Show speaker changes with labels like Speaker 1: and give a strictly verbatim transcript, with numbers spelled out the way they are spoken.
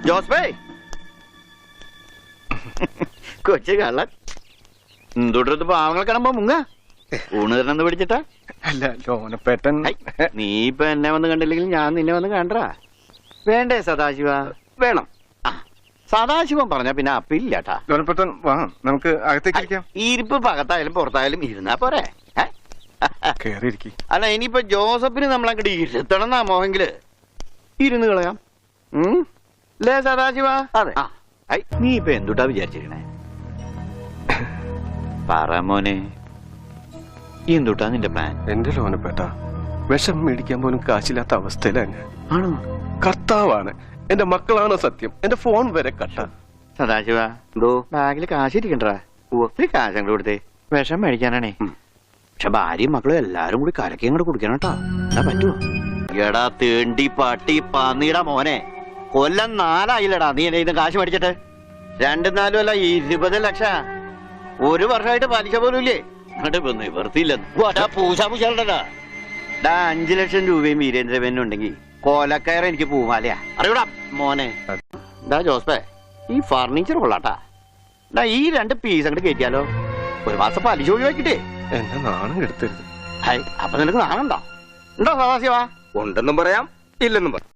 Speaker 1: ജോസ്ബേ കൊച്ചു കള്ളൻ എന്തുടർത്ത് പാവങ്ങൾ കാണുമ്പോ മുങ്ങ ഊണ് തരണെന്ന് പിടിച്ചിട്ടാ.
Speaker 2: അല്ല ലോനപ്പേട്ടൻ,
Speaker 1: നീ ഇപ്പൊ എന്നെ വന്ന് കണ്ടില്ലെങ്കിൽ ഞാൻ നിന്നെ വന്ന് കണ്ടാ വേണ്ടേ സദാശിവ?
Speaker 3: വേണം.
Speaker 1: ആ സദാശിവൻ പറഞ്ഞ പിന്നെ അപ്പില്ലാട്ടാ.
Speaker 2: ലോനപ്പേട്ടൻ വാ, നമുക്ക് അകത്തേക്ക് ഇരിക്കാം.
Speaker 1: ഈ ഇരിപ്പ് പകത്തായാലും പുറത്തായാലും ഇരുന്നാ പോരെ.
Speaker 2: കേറിയിരിക്കും.
Speaker 1: അല്ല ഇനിയിപ്പൊ ജോസഫിന് നമ്മളങ്ങോട്ട് ഇരുത്തണം എന്നാ മോഹെങ്കില് ഇരുന്ന് കളയാം. ലേ സദാശിവ?
Speaker 3: അതെ.
Speaker 1: നീ ഇപ്പൊ എന്തുട്ടാ വിചാരിച്ചിരിക്കണേ? പറ മോനെ, എന്തുട്ടാ നിന്റെ പ്ലാൻ?
Speaker 2: എന്റെ ലോനപ്പേട്ട വിഷം മേടിക്കാൻ പോലും കാശില്ലാത്ത അവസ്ഥയിലാണ്.
Speaker 1: ആണോ?
Speaker 2: കർത്താവാണ്, എന്റെ മക്കളാണ് സത്യം, എന്റെ ഫോൺ വരെ കട്ട.
Speaker 1: സദാശിവ
Speaker 3: എന്തോ
Speaker 1: ബാഗില് കാശ് ഇരിക്കണ്ടാ? ഒത്തിരി കാശ് അങ്ങോട്ട് കൊടുത്തേ, വിഷം മേടിക്കാനാണേ. പക്ഷെ ഭാര്യയും മക്കളും എല്ലാരും കൂടി കലക്കി അങ്ങോട്ട് കുടിക്കണം കേട്ടോ. എന്നാ പറ്റുമോ? എടാ തേണ്ടി പട്ടി പന്നിയുടെ മോനെ, കൊല്ലം നാലായില്ലടാ നീ എന്റെ കാശ് മേടിച്ചിട്ട്. രണ്ടും നാലും അല്ല ഇരുപത് ലക്ഷ ഒരു വർഷമായിട്ട് പലിശ പോലും ഇല്ലേ? നിവർത്തിയില്ല. അഞ്ചു ലക്ഷം രൂപയും വീരേന്ദ്രവേനും ഉണ്ടെങ്കിൽ കോലക്കയറ എനിക്ക് പൂമാലയാ. അറിയൂടാ മോനെ. ഡാ ജോസ്പേ, ഈ ഫർണിച്ചർ കൊള്ളാട്ടാ. ഡാ ഈ രണ്ട് പീസ് അങ്ങോട്ട് കയറ്റിയാലോ? ഒരു മാസം പലിശ ഒഴിവാക്കിട്ടേ.
Speaker 2: എന്നെ നാണം കെടുത്തരുത്.
Speaker 1: അപ്പൊ നിനക്ക് നാണുണ്ടോ? ഉണ്ടോ സദാശിവ?
Speaker 3: ഉണ്ടെന്നും പറയാം, ഇല്ലെന്നും പറയാം.